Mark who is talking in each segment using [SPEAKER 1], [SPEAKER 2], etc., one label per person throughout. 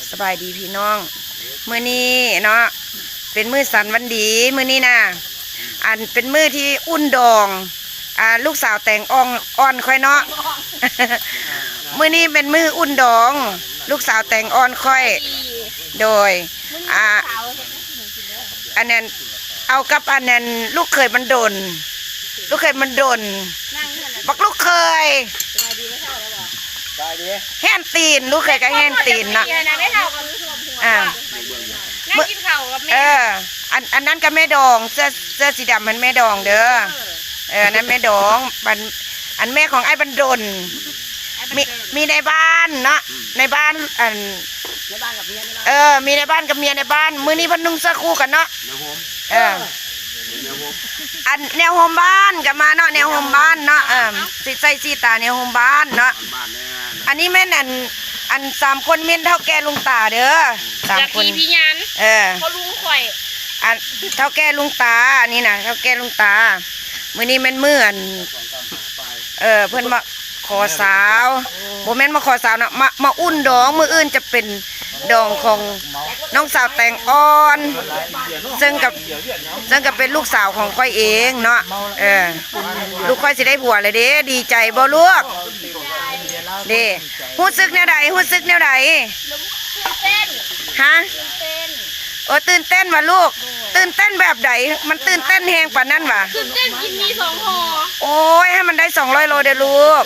[SPEAKER 1] สบายดีพี่น้องมื้อนี้เนาะเป็นมื้อสันวันดีมื้อนี้นะอันเป็นมื้อที่อุ่นดองลูกสาวแต่งอ่อนค่อยเนาะ มื้อนี้เป็นมื้ออุ่นดองลูกสาวแต่งอ่อนค่อยโดยอันนั้นเอากับอันนั้นลูกเคยมันโดนบักลูกเคยแห่นตีนลูกเคยก็แห่นตีนเนาะ
[SPEAKER 2] นั่งกินข้าวกับแม่
[SPEAKER 1] อันนั้นก็แม่ดองเสื้อสีดำมันแม่ดองเด้อนั่นแม่ดองอันแม่ของไอ้บรรดลมีในบ้านเนาะในบ้าน
[SPEAKER 2] ในบ้านกับเมีย
[SPEAKER 1] มีในบ้านกับเมียในบ้านมื้อนี้เพิ่นนุ่งเสื้อคู่กันเนาะอันแนวโฮมบ้านกับมาเนาะแนวโฮมบ้านเนาะสิใส่สีตาแนวโฮมบ้านเนาะอันนี้แม่นอัน3คนเม่นเท่าแก่ลุงตาเด้อ3คน
[SPEAKER 2] พี่ยันพอลุงข่อย
[SPEAKER 1] อันเท่าแก่ลุงตานี่นะเท่าแก่ลุงตามื้อนี้แม่นมื้อเพิ่นมาขอสาวบ่แม่นมาขอสาวนะมาอุ่นดองมื้ออื่นจะเป็นดองของน้องสาวแต่งอ่อนซึ่งกับเป็นลูกสาวของค่อยเองเนาะลูกค่อยสิได้ผัวเลยเด้ดีใจบ่ลูกเด้ฮู้สึกแนวใดฮะตื่นเต้นว่ะลูกตื่นเต้นแบบใดมันตื่นเต้นแฮงปานนั้นว่ะ
[SPEAKER 2] ตื่นเต้นกินมี2ห่อ
[SPEAKER 1] โอ้ยให้มันได้200โลเด้อลูก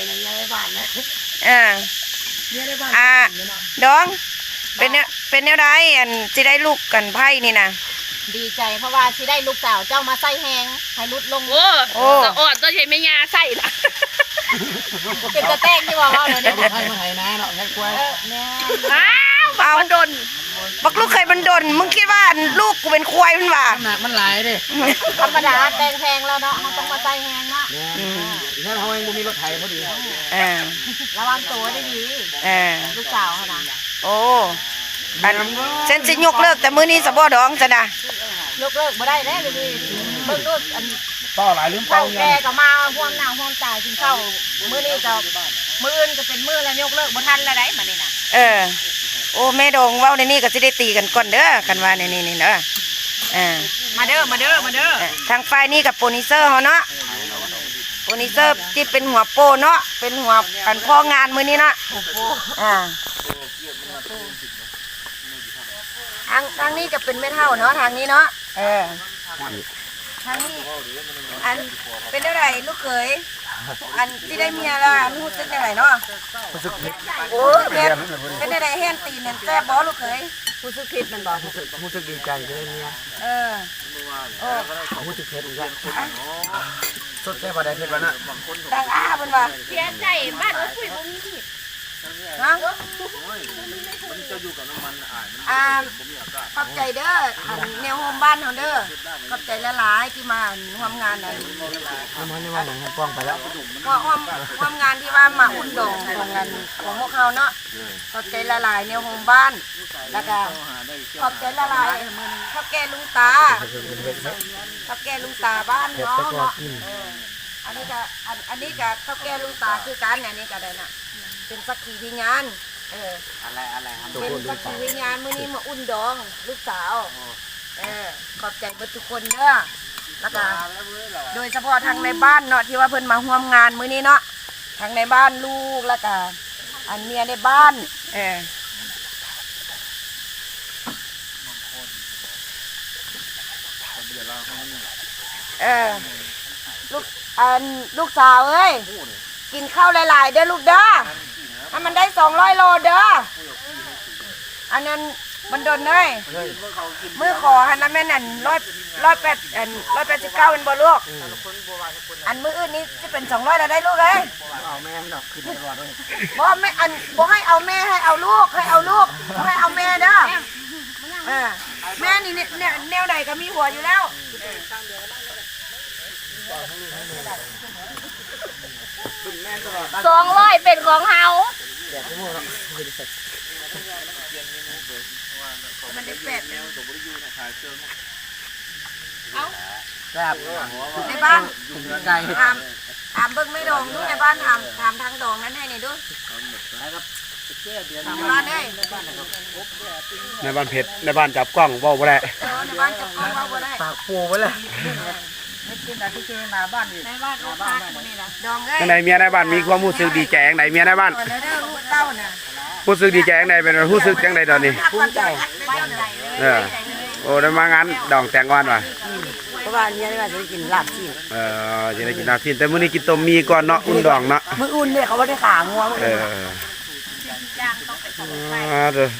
[SPEAKER 1] ดองเป็นแนวใดอันสิได้ลูกกันไพ่นี่นะ
[SPEAKER 3] ดีใจเพราะว่าสิได้ลูกสาวเจ้ามาใส่แหงให้ลุดลง
[SPEAKER 2] โอ้ตะออดตัวใช้แม่ยาใส่ล่ะ
[SPEAKER 3] เป็นตะแตงที่ว่าเลยเนี่ย
[SPEAKER 4] ให้มาไถนาเนาะให้กล้วย
[SPEAKER 2] เอาบักดน
[SPEAKER 1] บักลูกเคยบันดนมึงคิดว่าลูกกูเป็นควายมันว่า
[SPEAKER 4] หนักมันหลายดิ
[SPEAKER 3] ธรรมดาแตงแพงแล้วเนาะมันต้องมาใส่แหงเนาะ
[SPEAKER 4] อีกนั่นเขาเองบ่มีรถไถพอดี
[SPEAKER 3] ระวังตัวได้ดีลูกสาวนะ
[SPEAKER 1] โอ้ฉันสิยกเลิกแต่มื้อนี้สะบ่ดองจ้ะนะ
[SPEAKER 3] ยกเลิกบ่ได้แล้วเลยเบิ่งดู
[SPEAKER 4] ต่อหลายลืมเป่า
[SPEAKER 3] แกก็มาห่วงหน้าห่วงตากินข้าวมื้อนี้ก็มื้ออื่นก็เป็นมื้อแล้วยกเลิกบ่ทันแล้วได้บัดนี้น่ะ
[SPEAKER 1] โอ้แม่ดองเว้าในนี้ก็สิได้ตีกันก่อนเด้อกันว่านี่เด้อ
[SPEAKER 3] มาเด้อ
[SPEAKER 1] ทางฝ่ายนี้กับโปรดิวเซอร์เฮาเนาะโปรดิวเซอร์ที่เป็นหัวโปเนาะเป็นหัวอันพ่องานมื้อนี้เนาะทางนี้จะเป็นแม่เฒ่าเนาะทางนี้เนาะทางนี้อันเป็นเท่าไหร่ลูกเขยอันที่ได้เมียแล้วอันรู้สึกเท่าไหร่เนาะโอ้ยเป็นเท่าไหร่แห่นตีนแซ่บบ่ลูกเขย
[SPEAKER 3] รู้สึกผิดมันบ่
[SPEAKER 4] รู้สึกดีใจได้เมียรู้สึกเผ็ดอีกแล้วสดแซ่บบ่ได้เผ็ดบ่น่ะ
[SPEAKER 1] ต่างเพิ่นว่า
[SPEAKER 2] เสียใจบ้านคุยบ่มีผิด
[SPEAKER 1] ฮะขอบใจเด้อแนวโฮมบ้านเขาเด้อขอบใจหลายๆที่มาร่วมงานนั้น
[SPEAKER 4] มันนี่ว่าหนังป้องไปแล้ว
[SPEAKER 1] ร่วมงานที่ว่ามาอุ่นดองของงานของพวกเขาเนาะขอบใจหลายๆแนวโฮมบ้านแล้วก็ขอบใจหลายๆข้าวแกงลุงตาบ้านเนาะอันนี้ก็ข้าวแกงลุงตาคือกันอันนี้ก็ได้น่ะเป็นสักขีพยาน
[SPEAKER 4] อะไร
[SPEAKER 1] เป็นสักขีพยานมื้อนี้มาอุ่นดองลูกสาวขอบใจเบิดทุกคนเด้อแล้วก็โดยเฉพาะทางในบ้านเนาะที่ว่าเพิ่นมาร่วมงานมื้อนี้เนาะทางในบ้านลูกแล้วก็อันเมียในบ้านลูกสาวเอ้ยกินข้าวหลายๆเด้อลูกเด้อให้มันได้200โลเด้ออันนั้นมันโดนเลยมือขอหันนั้นแม่นั่น189เป็นบ่ลูกอันมืออื่นนี้จะเป็น200แล้วได้ลูกเอ้ย
[SPEAKER 4] เอาแม่ดอกขึ้นตลอดเลย
[SPEAKER 1] บ่แม่บ่ให้เอาแม่ให้เอาลูกบ่ให้เอาแม่เด้อแม่นี่แนวใดก็มีหัวอยู่แล้ว
[SPEAKER 2] 200เป็นของเฮา
[SPEAKER 1] มันได้8
[SPEAKER 4] แซ่บ
[SPEAKER 1] ในบ้าน
[SPEAKER 4] ไก่
[SPEAKER 1] ถามเบิ่งไม่ดองดูในบ้านถามทางดองนั้นให้นี่ดูบ้านเด้
[SPEAKER 5] ในบ้านเพชรในบ้านจับกล้องเว้าบ่ได้
[SPEAKER 1] ในบ้านจับกล้องว่าบ่ได้
[SPEAKER 4] ปากปูไปเลยไม่กินแต่ที่คือหน้าบ้านนี่
[SPEAKER 3] ในบ้านลูกค้าคนนี้นะ
[SPEAKER 1] ดองเอ้ย
[SPEAKER 5] จังไดเมียในบ้านมีความรู้สึกดีใจจังไดเมียในบ้าน
[SPEAKER 1] เด้อลูกเต้าน่ะ
[SPEAKER 5] รู้สึกดีใจจังไดเป็นรู้สึกจังไดตอนนี้
[SPEAKER 1] ภูมิใจ
[SPEAKER 3] บ้านใหญ่เลย
[SPEAKER 5] เออโอ้ได้มางานดองแต่งงานว่ะ
[SPEAKER 1] เพราะว่าเนี่ยว่าจะกินลาบซีน
[SPEAKER 5] สิได้กินน้ำสิ้นแต่มื้อนี้กินต้มมีก่อนเนาะอุ่นดองเนาะ
[SPEAKER 1] มื้ออุ่นเนี่ยเขาบ่ได้ขางัว
[SPEAKER 5] เออเด้อ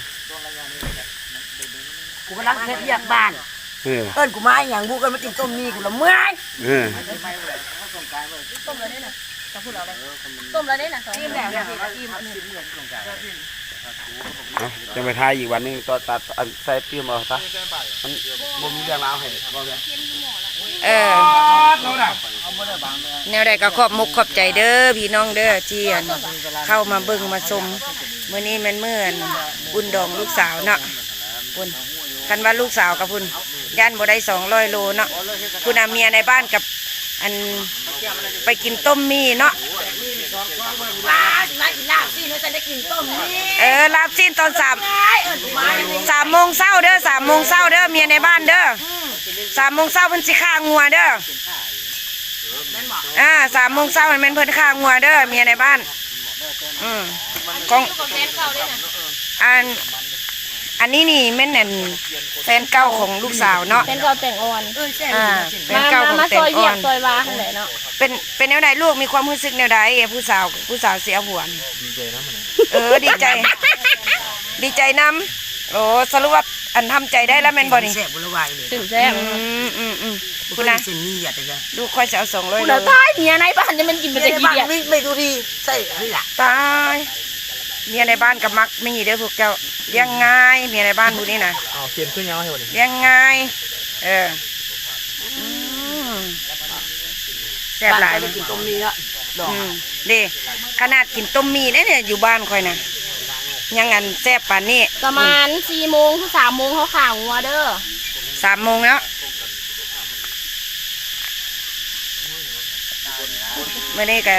[SPEAKER 1] กูกำลังเฮ็ดเรียกบ้าน
[SPEAKER 5] เออ
[SPEAKER 1] เอิ้นกูมาอีหยังกูเอิ้นมากินต้มมีกูละเมื่อย
[SPEAKER 5] เออ
[SPEAKER 2] ต้มแล้วได้น่ะสอง
[SPEAKER 3] ทีมแล้วเนี่ยทีม
[SPEAKER 5] เอาจะไปทายอีกวันนึงตอนตัดอันใส่ฟิล์มเอาซะมันบ่มีเรื่องราวให้บ่แม่แนวใดก็ขอบมุกขอบใจเด้อพี่น้องเด้อที่อันเข้ามาเบิ่งมาชมมื้อนี้แม่นมื้ออันอุ่นดองลูกสาวเนาะพุ่นคันว่าลูกสาวกับพุ่นย่านบ่ได้200โลเนาะคุณอาเมียในบ้านกับอันไปกินต้มมีเนาะ
[SPEAKER 3] ป้าสิมากินลาบสิเมื่อฉันได้กินต้มนี่
[SPEAKER 1] ลาบซีนตอน3 3โมงเช้าเด้อ3โมงเช้าเด้อเมียในบ้านเด้อ3โมงเช้าเพิ่นสิฆ่างัวเด้อ3โมงเช้ามันแม่นเพิ่นฆ่างัวเด้อเมียในบ้านของ
[SPEAKER 2] ของแฟนเก่าเลยน่ะ
[SPEAKER 1] อันนี้นี่แม่นนั่นแฟนเก่าของลูกสาวเนาะ
[SPEAKER 2] แฟนเก่าแต่งอ่อน
[SPEAKER 1] แฟนเก่าของ
[SPEAKER 2] มา
[SPEAKER 1] แต่
[SPEAKER 2] ซ
[SPEAKER 1] ง
[SPEAKER 2] อย
[SPEAKER 1] อ่
[SPEAKER 2] เวี
[SPEAKER 1] อย
[SPEAKER 2] ก
[SPEAKER 1] น
[SPEAKER 2] ซอยวาหั่นแหละเนาะ
[SPEAKER 1] เป็นแนวใดลูกมีความรู้สึกแนวใดผู้สาวเสียหัวนี่ดีใจดีใจนำโอ้สรุปว่าอันทำใจได้แล้วแม่นบ่นี่
[SPEAKER 4] แซ่บบุรวายเลย
[SPEAKER 2] ตื่นแซ่บ
[SPEAKER 1] คุณนะ
[SPEAKER 4] เส้นนี้อย่าแต่จะ
[SPEAKER 1] ลูกค่อยจะเอา200
[SPEAKER 2] คุ
[SPEAKER 1] โล
[SPEAKER 2] ณเอาตายเมียในบ้านเนี่ยมันกินไปจะกี่เดียว
[SPEAKER 4] ไม่ดูดีใส่นี่แหละ
[SPEAKER 1] ตายเมียในบ้านกับมักไม่หีเด้อพวกเจ้าเลี้ยงง่ายเมียในบ้านพวกนี้นะ
[SPEAKER 4] เอาเขียนขึ้นยาวให้หมดเลย
[SPEAKER 1] เลี้ยงง่ายแซ่บหลาย
[SPEAKER 4] กินต้มมีละดอก
[SPEAKER 1] เด้ขนาดกินต้มมีเนี่ยอยู่บ้านค่อยนะยังอันแซ่บปานนี้
[SPEAKER 2] ประมาณ4 โมงถึง3 โมงเขาข่าวงัวเด้อ
[SPEAKER 1] 3 โมงแล้วเมื่อนี้ก็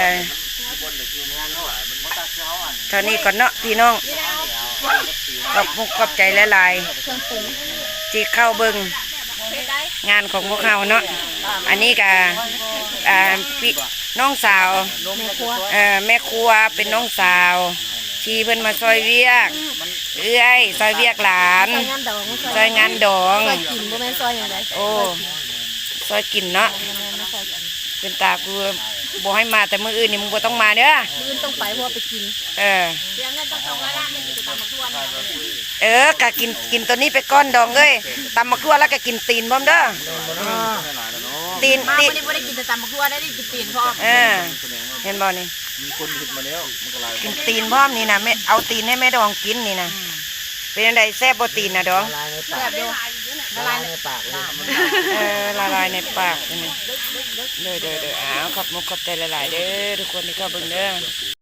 [SPEAKER 1] เท่านี้ก่อนเนาะพี่น้องขอบมุกขอบใจหลายๆที่เข้าเบิ่งงานของพวกเขาเนาะอันนี้ก็พี่น้องสาวแม่ครัวเป็นน้องสาวที่เพิ่นมาซอยเวียกซอยเวียกหลาน
[SPEAKER 2] ซอยงานดอง
[SPEAKER 1] ซอยงานดอง
[SPEAKER 2] ซอยกินบ่แม่นซอยอย่างไร
[SPEAKER 1] โอ้ซอยกินเนาะเป็นตากูบอกให้มาแต่มื้ออื่นนี่มึงบ่ต้องมาเด้อ
[SPEAKER 2] มื้ออื่นต้องไปเพราะว่าไปกิน
[SPEAKER 1] เออ
[SPEAKER 2] เสียเงินต้อง2ล้านไม่กินแต่ตำบักทั่วนี่
[SPEAKER 1] กะกินตัวนี้ไปก้อนดองเอ้ยตำมะกรัวแล้วก็กินตีนพร้อมเด้อตีน
[SPEAKER 3] มา
[SPEAKER 1] ตีน
[SPEAKER 3] วันนี้บ่ได้กินแต่ตำบักทั่วได้กินตีนพร้อม
[SPEAKER 1] เห็นบ่นี่กินตีนพร้อมนี่นะแม่เอาตีนให้แม่ดองกินนี่นะเป็นจังไดแซ่บบ่ตีนนะดอง
[SPEAKER 4] ลายในปา
[SPEAKER 3] แซ่
[SPEAKER 4] ก
[SPEAKER 3] บอยู่
[SPEAKER 4] ละลายในปากเลย
[SPEAKER 1] ละลายในปากนี่เด้ออ้าวขอบมุกขอบใจหลายๆเด้อทุกคนที่เข้าเบิ่งเด้อ